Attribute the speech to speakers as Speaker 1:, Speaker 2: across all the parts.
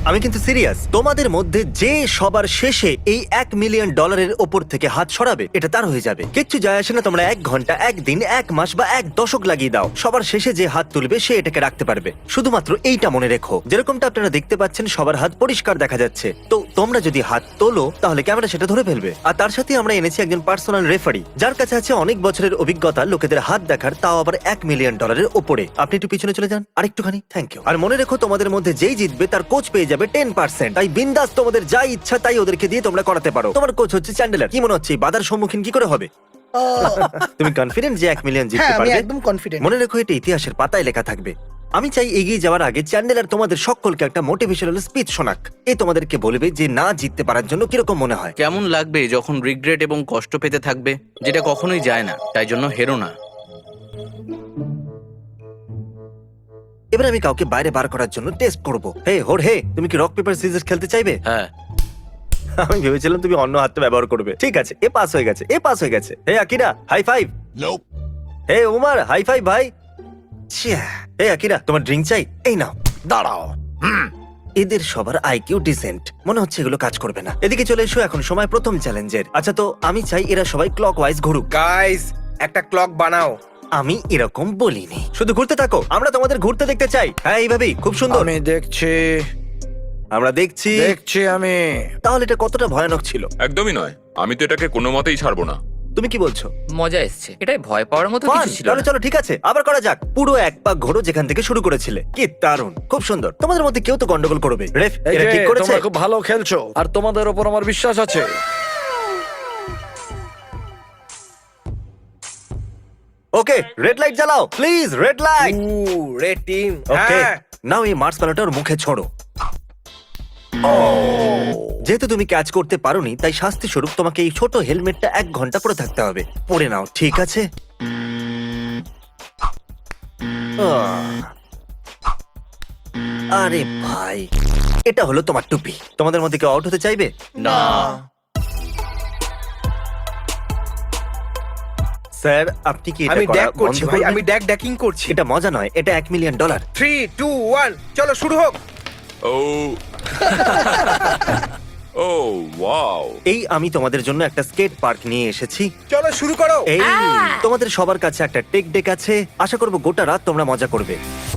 Speaker 1: আমি কিন্তু সিরিয়াস। তোমাদের মধ্যে যে সবার শেষে এই $1 মিলিয়ন ওপর থেকে হাত সরাবে, এটা তার হয়ে যাবে। কিচ্ছু যায় আসে না তোমরা 1 ঘন্টা, 1 দিন, 1 মাস বা 1 দশক লাগিয়ে দাও, সবার শেষে যে হাত তুলবে সে এটাকে রাখতে পারবে। শুধুমাত্র এইটা মনে রেখো, যেরকমটা আপনারা দেখতে পাচ্ছেন সবার হাত পরিষ্কার দেখা যাচ্ছে। তো তোমরা যদি হাত তোলো তাহলে ক্যামেরা সেটা ধরে ফেলবে। আর তার সাথে আমরা এনেছি একজন পার্সোনাল রেফারি, যার কাছে আছে অনেক বছরের অভিজ্ঞতা লোকেদের হাত দেখার, তাও আবার $1 মিলিয়ন ওপরে। আপনি একটু পিছনে চলে যান আরেকটুখানি, থ্যাংক ইউ। আর মনে রেখো, তোমাদের মধ্যে যেই জিতবে তার কোচ পেয়ে যাবে 10%। তাই বিন্দাস তোমাদের যা ইচ্ছা তাই ওদেরকে দিয়ে তোমরা করাতে পারো। তোমার কোচ হচ্ছে চ্যান্ডেলার। কি মনে হচ্ছে এই বাধার সম্মুখীন কি করে হবে? তুমি কনফিডেন্ট যে 1 মিলিয়ন জিততে
Speaker 2: হ্যাঁ, আমি
Speaker 1: পারবে?
Speaker 2: একদম কনফিডেন্ট।
Speaker 1: মনে রেখো, এটা ইতিহাসের পাতায় লেখা থাকবে। আমি চাই এগিয়ে যাওয়ার আগে চ্যান্ডেলার তোমাদের সকলকে একটা মোটিভেশনাল স্পিচ শোনাক। এ তোমাদেরকে বলবে যে না জিততে পারার জন্য কিরকম মনে হয়।
Speaker 3: কেমন লাগবে যখন রিগ্রেট এবং কষ্ট পেতে থাকবে, যেটা কখনোই যায় না, তাই জন্য হেরো না।
Speaker 1: এবার আমি কাউকে বাইরে বার করার জন্য টেস্ট করব। হে হোরহে, তুমি কি রক পেপার সিজার্স খেলতে চাইবে?
Speaker 3: হ্যাঁ,
Speaker 1: আমি ভেবেছিলাম তুমি অন্য হাতটা ব্যবহার করবে। ঠিক আছে, এ পাস হয়ে গেছে, এ পাস হয়ে গেছে। Hey Akira, high five. Hey Umar, high five ভাই। ছিয়া। হে আকিরা, তোমার ড্রিঙ্ক চাই? এই নাও। দাঁড়াও। এদের সবার আইকিউ ডিসেন্ট, মনে হচ্ছে এগুলো কাজ করবে না। এদিকে চলে এসো, এখন সময় প্রথম চ্যালেঞ্জের। আচ্ছা, তো আমি চাই এরা সবাই ক্লকওয়াইজ ঘুরুক।
Speaker 4: গাইস, একটা ক্লক বানাও।
Speaker 1: আমি এরকম বলিনি, শুধু ঘুরতে থাকো, আমরা তোমাদের ঘুরতে দেখতে চাই। হ্যাঁ, এইভাবেই, খুব সুন্দর।
Speaker 4: আমি দেখছি
Speaker 1: আমরা দেখছি।
Speaker 4: আমি।
Speaker 1: তাহলে এটা কতটা ভয়ানক ছিল?
Speaker 5: একদমই নয়, আমি তো এটাকে কোনো মতেই ছাড়বো না।
Speaker 1: তুমি কি বলছো?
Speaker 6: মজা এসছে, এটাই ভয় পাওয়ার মতো কিছু
Speaker 1: Fun!
Speaker 6: ছিল
Speaker 1: তাহলে
Speaker 6: না।
Speaker 1: চলো, ঠিক আছে, আবার করা যাক। পুরো এক পাক ঘোরো যেখান থেকে শুরু করেছিলে। কি দারুণ, খুব সুন্দর। তোমাদের মধ্যে কেউ তো গন্ডগোল করবে। রেফ,
Speaker 4: এই
Speaker 1: এরা
Speaker 4: যে,
Speaker 1: ঠিক করেছে?
Speaker 4: তোমরা খুব ভালো খেলছো আর তোমাদের উপর আমার বিশ্বাস আছে।
Speaker 1: ওকে, রেড লাইট জ্বালাও please, red light.
Speaker 4: Red team.
Speaker 1: Okay,
Speaker 4: হ্যাঁ,
Speaker 1: নাও এই মার্স প্যালোটার মুখে ছোড়ো। যেহেতু তুমি ক্যাচ করতে পারোনি, তাই শাস্তি স্বরূপ তোমাকে এই ছোট হেলমেটটা 1 ঘন্টা পরে থাকতে হবে। পরে নাও, ঠিক আছে? আরে ভাই, এটা হলো তোমার টুপি। তোমাদের মধ্যে কেউ আউট হতে চাইবে?
Speaker 3: না।
Speaker 1: স্যার, আপনি কি এটা
Speaker 4: আমি
Speaker 1: করা
Speaker 4: ড্যাক করছি
Speaker 1: বন্ধ
Speaker 4: ভাই,
Speaker 1: করবেন?
Speaker 4: আমি ড্যাকিং করছি।
Speaker 1: এটা মজা নয়, এটা $1 মিলিয়ন।
Speaker 4: 3 2 1 চলো শুরু হোক।
Speaker 5: ও ও ওয়াও,
Speaker 1: এই আমি তোমাদের জন্য একটা স্কেট পার্ক নিয়ে এসেছি।
Speaker 4: চলো শুরু করো।
Speaker 1: এই তোমাদের সবার কাছে একটা টেক ডেক আছে। আশা করবো গোটা রাত তোমরা মজা করবে।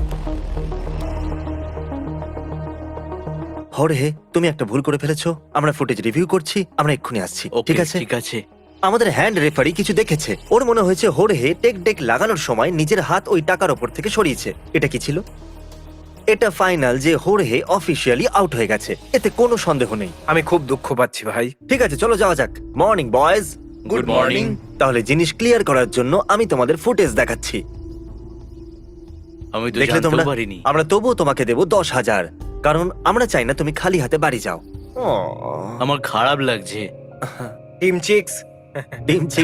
Speaker 1: হরে, তুমি একটা ভুল করে ফেলেছো। আমরা ফুটেজ রিভিউ করছি, আমরা এক্ষুনি আসছি।
Speaker 3: ওকে,
Speaker 1: ঠিক আছে?
Speaker 3: ঠিক আছে।
Speaker 1: আমাদের হ্যান্ড রেফারি কিছু দেখেছে। ওর মনে হয়েছে হোরহে টেক ডেক লাগানোর সময় নিজের হাত ওই টাকার ওপর থেকে সরিয়েছে। এটা কি ছিল? এটা ফাইনাল যে হোরহে অফিসিয়ালি আউট হয়ে গেছে, এতে কোনো সন্দেহ নেই।
Speaker 4: আমি খুব দুঃখ পাচ্ছি ভাই।
Speaker 1: ঠিক আছে, চলো যাওয়া যাক। Morning boys.
Speaker 3: Good morning.
Speaker 1: তাহলে জিনিস ক্লিয়ার করার জন্য আমি তোমাদের ফুটেজ দেখাচ্ছি।
Speaker 3: আমি তো
Speaker 1: দেখলে তোমরা?
Speaker 3: জানতেও পারিনি।
Speaker 1: আমরা তবুও তোমাকে দেবো 10,000, কারণ আমরা চাই না তুমি খালি হাতে বাড়ি যাও।
Speaker 3: আমার খারাপ লাগছে।
Speaker 4: Team chicks.
Speaker 1: Team chick.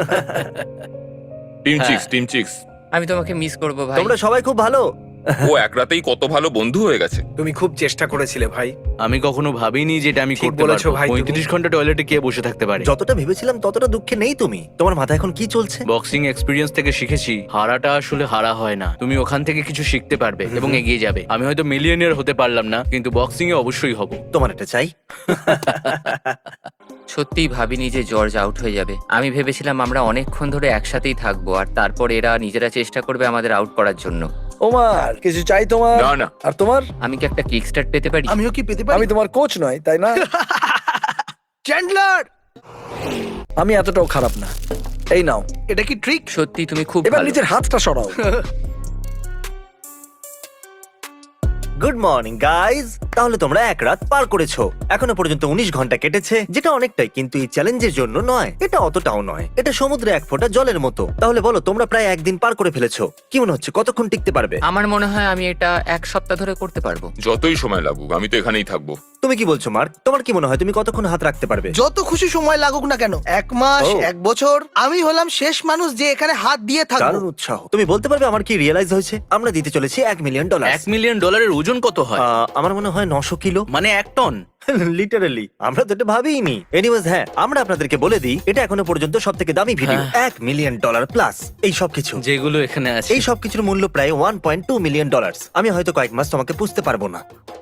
Speaker 5: Team
Speaker 3: হ্যাঁ।
Speaker 5: Chicks, team chicks.
Speaker 6: আমি তোমাকে মিস করব ভাই।
Speaker 1: তোমরা সবাই খুব ভালো।
Speaker 5: ও এক রাতেই কত ভালো বন্ধু হয়ে গেছে।
Speaker 4: তুমি খুব চেষ্টা করেছিলে ভাই।
Speaker 3: আমি কখনো ভাবিনি যেটা আমি
Speaker 4: ঠিক
Speaker 3: করতে
Speaker 4: বলেছো
Speaker 3: পারবো।
Speaker 4: ভাই, তুমি।
Speaker 3: 35 ঘন্টা টয়লেটে কে বসে থাকতে পারে?
Speaker 1: যতটা ভেবেছিলাম ততটা দুঃখে নেই তুমি। তোমার মাথায় এখন কি চলছে?
Speaker 3: বক্সিং এক্সপিরিয়েন্স থেকে শিখেছি হারাটা আসলে হারা হয় না। তুমি ওখান থেকে কিছু শিখতে পারবে এবং এগিয়ে যাবে। আমি হয়তো মিলিয়নিয়ার হতে পারলাম না, কিন্তু বক্সিং এ অবশ্যই হব।
Speaker 1: তোমার এটা চাই?
Speaker 6: সত্যিই ভাবিনি যে জর্জ আউট হয়ে যাবে। আমি ভেবেছিলাম আমরা অনেকক্ষণ ধরে একসাথেই থাকবো, আর তারপর এরা নিজেরা চেষ্টা করবে আমাদের আউট করার জন্য।
Speaker 4: ওমার, কিছু চাই তোমার?
Speaker 5: না, না।
Speaker 4: আর তোমার?
Speaker 6: আমি কি একটা কিক স্টার্ট পেতে পারি?
Speaker 2: আমিও কি পেতে পারি?
Speaker 4: আমি তোমার কোচ নয়, তাই না?
Speaker 2: চ্যান্ডলার,
Speaker 4: আমি এতটাও খারাপ না। এই নাও,
Speaker 2: এটা কি ট্রিক?
Speaker 6: সত্যি তুমি খুব
Speaker 4: এবার
Speaker 6: ভালো।
Speaker 4: নিজের হাতটা সরাও।
Speaker 1: Good morning guys. তাহলে তোমরা এক রাত পার করেছো। এখনো পর্যন্ত 19 ঘন্টা কেটেছে, যেটা অনেকটাই, কিন্তু এই চ্যালেঞ্জের জন্য নয়। এটা অতটাও নয়, এটা সমুদ্রে 1 ফোঁটা জলের মতো। তাহলে বলো, তোমরা প্রায় 1 দিন পার করে ফেলেছো। কি মনে হচ্ছে কতক্ষণ টিকতে পারবে?
Speaker 6: আমার মনে হয় আমি এটা 1 সপ্তাহ ধরে করতে পারবো।
Speaker 5: যতই সময় লাগুক, আমি তো এখানেই থাকবো।
Speaker 1: তুমি কি বলছো মার্ক? তোমার কি মনে হয় তুমি কতক্ষণ হাত রাখতে পারবে?
Speaker 2: যত খুশি সময় লাগুক না কেন, 1 মাস,
Speaker 1: ও।
Speaker 2: 1 বছর, আমি হলাম শেষ মানুষ যে এখানে হাত দিয়ে থাকবো।
Speaker 1: দারুণ উৎসাহ। তুমি বলতে পারবে আমার কি রিয়েলাইজ হয়েছে? আমরা দিতে চলেছি $1 মিলিয়ন।
Speaker 3: $1 মিলিয়ন ওজন কত হয়?
Speaker 1: আমার মনে হয় 900 কিলো।
Speaker 3: মানে 1 টন।
Speaker 1: লিটারালি আমরা তো এটা ভাবিনি। এনিওয়েজ, হ্যাঁ, আমরা আপনাদেরকে বলে দিই, এটা এখনো পর্যন্ত সব থেকে দামি ভিডিও। $1 মিলিয়ন প্লাস এই সব কিছু।
Speaker 3: যেগুলো এখানে আছে।
Speaker 1: এই সব কিছুর মূল্য প্রায় $1.2 মিলিয়ন। আমি হয়তো কয়েক মাস তোমাকে পুষতে পারবো না।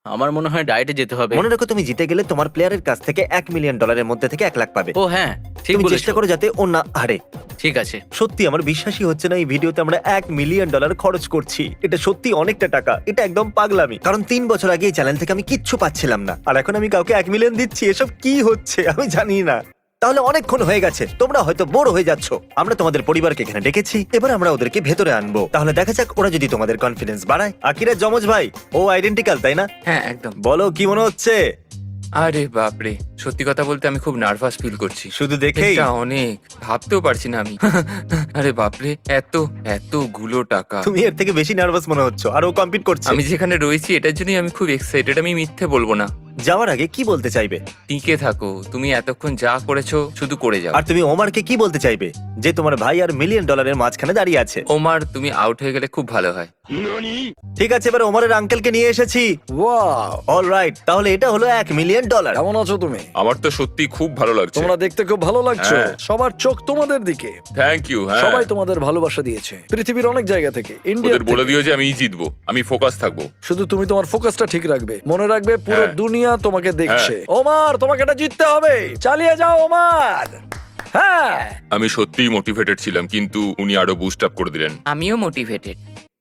Speaker 3: আমার মনে হয় ডায়েটে যেতে হবে।
Speaker 1: মনে রাখো তুমি জিতে গেলে তোমার প্লেয়ারের কাছ থেকে $1 মিলিয়ন মধ্যে থেকে 1 লাখ পাবে।
Speaker 3: ও হ্যাঁ, ঠিক
Speaker 1: তুমি
Speaker 3: বলেছো।
Speaker 1: চেষ্টা করো যাতে ও না হারে।
Speaker 3: ঠিক আছে।
Speaker 1: সত্যি আমার বিশ্বাসই হচ্ছে না এই ভিডিওতে আমরা $1 মিলিয়ন খরচ করছি। এটা সত্যি অনেকটা টাকা, এটা একদম পাগলামি। কারণ 3 বছর আগে এই চ্যানেল থেকে আমি কিচ্ছু পাচ্ছিলাম না, আর এখন আমি কাউকে 1 মিলিয়ন দিচ্ছি। এসব কি হচ্ছে আমি জানি না। তাহলে অনেকক্ষণ হয়ে গেছে, তোমরা হয়তো বোর হয়ে যাচ্ছ। আমরা তোমাদের পরিবারকে এখানে ডেকেছি, এবার আমরা ওদেরকে ভেতরে আনবো। তাহলে দেখা যাক ওরা যদি তোমাদের কনফিডেন্স বাড়ায়। আকিরা যমজ ভাই, ও আইডেন্টিক্যাল তাই না?
Speaker 6: হ্যাঁ একদম।
Speaker 1: বলো কি মনে হচ্ছে?
Speaker 6: আরে বাপরে, সত্যি কথা বলতে আমি খুব নার্ভাস ফিল করছি।
Speaker 1: শুধু দেখেই
Speaker 6: এটা অনেক, ভাবতেও পারছি না আমি। আরে বাপরে, এতগুলো টাকা।
Speaker 1: তুমি এর থেকে বেশি নার্ভাস মনে হচ্ছে, আর ও কম্পিট করছে।
Speaker 6: আমি যেখানে রয়েছি এটার জন্যই আমি খুব এক্সাইটেড, আমি মিথ্যে বলবো না।
Speaker 1: যাওয়ার আগে কি বলতে চাইবে?
Speaker 6: টিকে থাকো, তুমি এতক্ষণ যা করেছো শুধু করে যাও।
Speaker 1: আর তুমি ওমারকে কি বলতে চাইবে, যে তোমার ভাই আর $1 মিলিয়ন মাঝখানে দাঁড়িয়ে আছে?
Speaker 6: ওমার, তুমি আউট হয়ে গেলে খুব ভালো হয়।
Speaker 1: ঠিক আছে, এবার ওমারের আঙ্কেলকে নিয়ে এসেছি।
Speaker 4: ওয়াও,
Speaker 1: অলরাইট, তাহলে এটা হলো $1 মিলিয়ন।
Speaker 4: কেমন আছো তুমি?
Speaker 5: আমার তো সত্যি খুব ভালো লাগছে।
Speaker 4: তোমরা দেখতে খুব ভালো লাগছো।
Speaker 5: হ্যাঁ।
Speaker 4: সবার চোখ তোমাদের দিকে।
Speaker 5: Thank you. হ্যাঁ,
Speaker 4: সবাই তোমাদের ভালোবাসা দিয়েছে পৃথিবীর অনেক জায়গা থেকে, ইন্ডিয়া
Speaker 5: ওদের বলে দিও যে আমি জিতবো, আমি ফোকাস থাকবো।
Speaker 4: শুধু তুমি তোমার ফোকাসটা ঠিক রাখবে, মনে রাখবে পুরো
Speaker 5: হ্যাঁ।
Speaker 4: দুনিয়া তোমাকে দেখছে। ওমার, তোমাকে এটা জিততে হবে, চালিয়ে যাও ওমার। হ্যাঁ,
Speaker 5: আমি সত্যিই মোটিভেটেড ছিলাম, কিন্তু উনি আরো বুস্ট আপ করে দিলেন।
Speaker 6: আমিও মোটিভেটেড।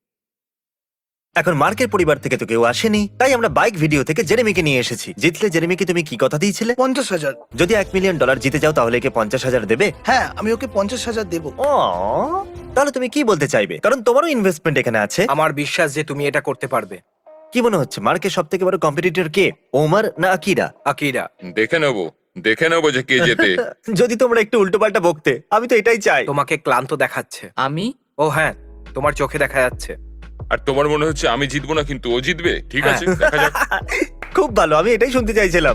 Speaker 1: এখন মার্কের পরিবার থেকে তো কেউ আসেনি, তাই আমরা বাইক ভিডিও থেকে জেরেমিকে নিয়ে এসেছি। জিতলে জেরেমিকে তুমি কি কথা দিয়েছিলে?
Speaker 2: 50,000।
Speaker 1: যদি $1 মিলিয়ন জিতে যাও তাহলে একে 50,000 দেবে?
Speaker 2: হ্যাঁ, আমি ওকে 50,000 দেবো।
Speaker 1: তাহলে তুমি কি বলতে চাইবে, কারণ তোমারও ইনভেস্টমেন্ট এখানে আছে।
Speaker 7: আমার বিশ্বাস যে তুমি এটা করতে পারবে।
Speaker 1: কি মনে হচ্ছে মার্কের সব থেকে বড় কম্পিটিটর কে, ওমার না আকিরা?
Speaker 7: আকিরা।
Speaker 5: দেখে নেবো যে কে জেতে।
Speaker 1: যদি তোমরা একটু উল্টোপাল্টা বকতে, আমি তো এটাই চাই।
Speaker 7: তোমাকে ক্লান্ত দেখাচ্ছে।
Speaker 6: আমি
Speaker 7: ও হ্যাঁ, তোমার চোখে দেখা যাচ্ছে।
Speaker 5: আর তোমার মনে হচ্ছে আমি জিতবো না, কিন্তু ও জিতবে। ঠিক আছে, দেখা যাক।
Speaker 1: খুব ভালো, আমি এটাই শুনতে চাইছিলাম।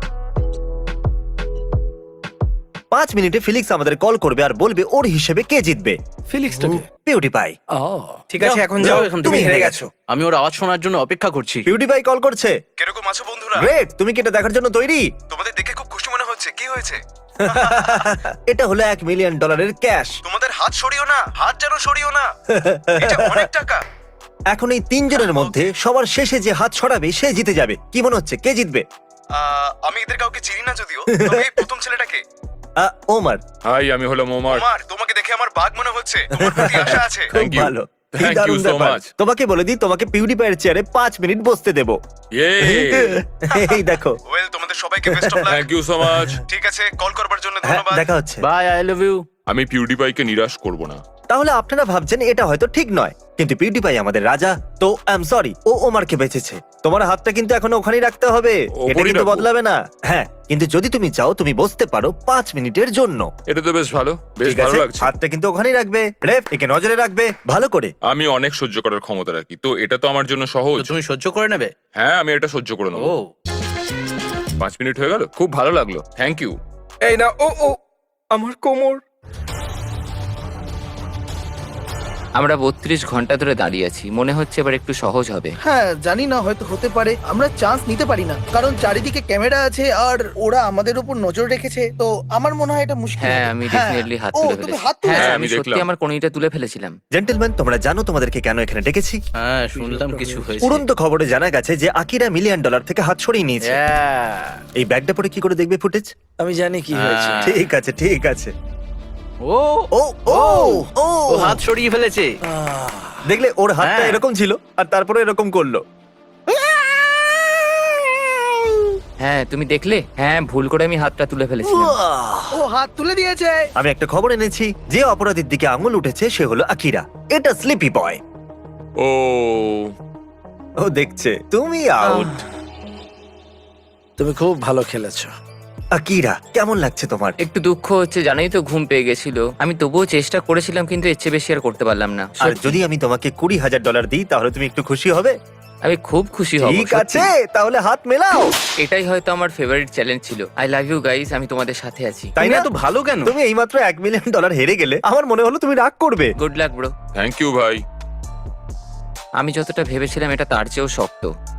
Speaker 1: 5 মিনিটে ফিলিক্স আমাদের কল করবে আর বলবে ওর হিসেবে কে জিতবে।
Speaker 4: ফিলিক্সটাকে।
Speaker 1: পিউডিপাই।
Speaker 7: ঠিক আছে, এখন যাও,
Speaker 3: এখান থেকে।
Speaker 7: তুমি হেরে গেছো।
Speaker 3: আমি ওর আওয়াজ শোনার জন্য অপেক্ষা করছি।
Speaker 1: পিউডিপাই কল করছে।
Speaker 8: কিরকম আছো বন্ধুরা?
Speaker 1: গ্রেট, তুমি কি এটা দেখার জন্য তৈরি?
Speaker 8: তোমাদের দেখে খুব খুশি মনে হচ্ছে। কি হয়েছে?
Speaker 1: এটা হলো $1 মিলিয়ন ক্যাশ।
Speaker 8: তোমাদের হাত সরিও না, হাত যেন সরিও না। এটা অনেক টাকা।
Speaker 1: এখন এই 3 জনের মধ্যে সবার শেষে যে হাত ছড়াবে সে জিতে যাবে। কি মনে হচ্ছে কে জিতবে?
Speaker 8: আমি এদের কাউকে চিনি না যদিও, তবে এই প্রথম ছেলেটাকে।
Speaker 1: ওমার।
Speaker 5: হাই, আমি হলাম ওমার।
Speaker 8: ওমার, তোমাকে দেখে আমার বাঘ মনে হচ্ছে। তোমার প্রতি আশা আছে।
Speaker 1: খুব
Speaker 5: Thank you.
Speaker 1: ভালো। কি
Speaker 5: Thank you
Speaker 1: দারুণ
Speaker 5: so
Speaker 1: ব্যাপার।
Speaker 5: much.
Speaker 1: তোমাকে বলে দিই, তোমাকে পিউডিপাইয়ের চেয়ারে 5 মিনিট বসতে দেবো।
Speaker 5: ইয়ে,
Speaker 1: এই দেখো।
Speaker 8: ওয়েল, তোমাদের সবাইকে best of luck.
Speaker 5: Thank you so much.
Speaker 8: ঠিক আছে, কল করবার জন্য
Speaker 1: হ্যাঁ,
Speaker 8: ধন্যবাদ।
Speaker 1: দেখা হচ্ছে।
Speaker 3: Bye, I love you.
Speaker 5: আমি পিউডিপাইকে নিরাশ করব না।
Speaker 1: তাহলে আপনারা ভাবছেন এটা হয়তো ঠিক নয়, কিন্তু পিউডিপাই আমাদের রাজা, তো আই এম সরি, ও ওমারকে বেঁচেছে। তোমার হাতটা কিন্তু এখনো ওখানেই রাখতে হবে,
Speaker 5: ওপরই
Speaker 1: এটা কিন্তু
Speaker 5: রাখবো।
Speaker 1: বদলাবে না। হ্যাঁ, কিন্তু যদি তুমি চাও তুমি বসতে পারো 5 মিনিটের জন্য।
Speaker 5: এটা তো বেশ ভালো, বেশ
Speaker 1: ঠিক
Speaker 5: ভালো
Speaker 1: আছে,
Speaker 5: লাগছে।
Speaker 1: হাতটা কিন্তু ওখানেই রাখবে। রেফ, একে নজরে রাখবে ভালো করে।
Speaker 5: আমি অনেক সহ্য করার ক্ষমতা রাখি, তো এটা তো আমার জন্য
Speaker 3: তো
Speaker 5: সহজ।
Speaker 3: তুমি সহ্য করে নেবে?
Speaker 5: হ্যাঁ, আমি এটা সহ্য করে নেবো।
Speaker 3: ও
Speaker 5: 5 মিনিট হয়ে গেল, খুব ভালো লাগলো। Thank you.
Speaker 7: এই না, ও আমার কোমর।
Speaker 6: আমরা 32 ঘন্টা ধরে দাঁড়িয়ে আছি, মনে হচ্ছে এবার একটু সহজ হবে।
Speaker 2: হ্যাঁ, জানি না, হয়তো হতে পারে। আমরা চান্স নিতে পারি না, কারণ চারিদিকে ক্যামেরা আছে আর ওরা আমাদের উপর নজর রেখেছে। তো আমার মনে হয় এটা মুশকিল
Speaker 6: হ্যাঁ,
Speaker 2: হবে।
Speaker 6: আমি ডেফিনেটলি হাত
Speaker 2: ও,
Speaker 6: তুলে
Speaker 2: তুমি
Speaker 6: ফেলেছি।
Speaker 2: হাত তুলেছো?
Speaker 6: হ্যাঁ,
Speaker 5: হ্যাঁ,
Speaker 6: আমি
Speaker 5: আমি
Speaker 6: সত্যি
Speaker 5: দেখলাম।
Speaker 6: আমার কনিটা তুলে ফেলেছিলাম।
Speaker 1: জেন্টলম্যান, তোমরা জানো তোমাদেরকে কেন এখানে ডেকেছি?
Speaker 3: হ্যাঁ, শুনলাম কিছু হয়েছে।
Speaker 1: উড়ন্ত খবরে জানা গেছে যে আকিরা $1 মিলিয়ন থেকে হাত সরিয়ে নিয়েছে।
Speaker 3: Yeah.
Speaker 1: এই ব্যাগটা পরে কি করে দেখবে ফুটেজ?
Speaker 4: আমি জানি কি হয়েছে।
Speaker 3: হ্যাঁ।
Speaker 1: ঠিক আছে, ঠিক আছে।
Speaker 3: ও
Speaker 1: ও ও ও
Speaker 3: ও হাত সরিয়ে ফেলেছে।
Speaker 1: দেখলে ওর হাতটা
Speaker 3: হ্যাঁ।
Speaker 1: এরকম ছিল আর তারপরে এরকম করলো।
Speaker 6: হ্যাঁ, তুমি দেখলে? হ্যাঁ, ভুল করে আমি হাতটা তুলে ফেলেছিলাম।
Speaker 2: ও হাত তুলে দিয়েছে।
Speaker 1: আমি একটা খবর এনেছি, যে অপরাধীর দিকে আঙুল উঠেছে সে হলো আকিরা। এটা স্লিপি বয়।
Speaker 5: ও
Speaker 1: ও দেখছে তুমি আউট।
Speaker 4: তুমি খুব ভালো খেলেছো।
Speaker 1: আকিরা, কেমন লাগছে তোমার?
Speaker 6: একটু দুঃখ হচ্ছে, জানোই তো ঘুম পেয়ে গেছিল। আমি তবুও চেষ্টা করেছিলাম, কিন্তু এর চেয়ে বেশি আর করতে পারলাম না।
Speaker 1: আর যদি আমি তোমাকে $20,000 দিই তাহলে তুমি একটু খুশি হবে?
Speaker 6: আমি খুব খুশি হব।
Speaker 1: ঠিক
Speaker 6: সত্যি।
Speaker 1: আছে, তাহলে হাত মেলাও।
Speaker 6: এটাই হয়তো আমার ফেভারিট চ্যালেঞ্জ ছিল। আই লাভ ইউ গাইস, আমি তোমাদের সাথে আছি।
Speaker 1: তাই
Speaker 3: তুমি
Speaker 1: না?
Speaker 3: এত ভালো কেন?
Speaker 1: তুমি এইমাত্র $1 মিলিয়ন হেরে গেলে, আমার মনে হলো তুমি রাগ করবে।
Speaker 6: Good luck bro.
Speaker 5: Thank you ভাই।
Speaker 6: আমি যতটা ভেবেছিলাম এটা তার চেয়েও শক্ত।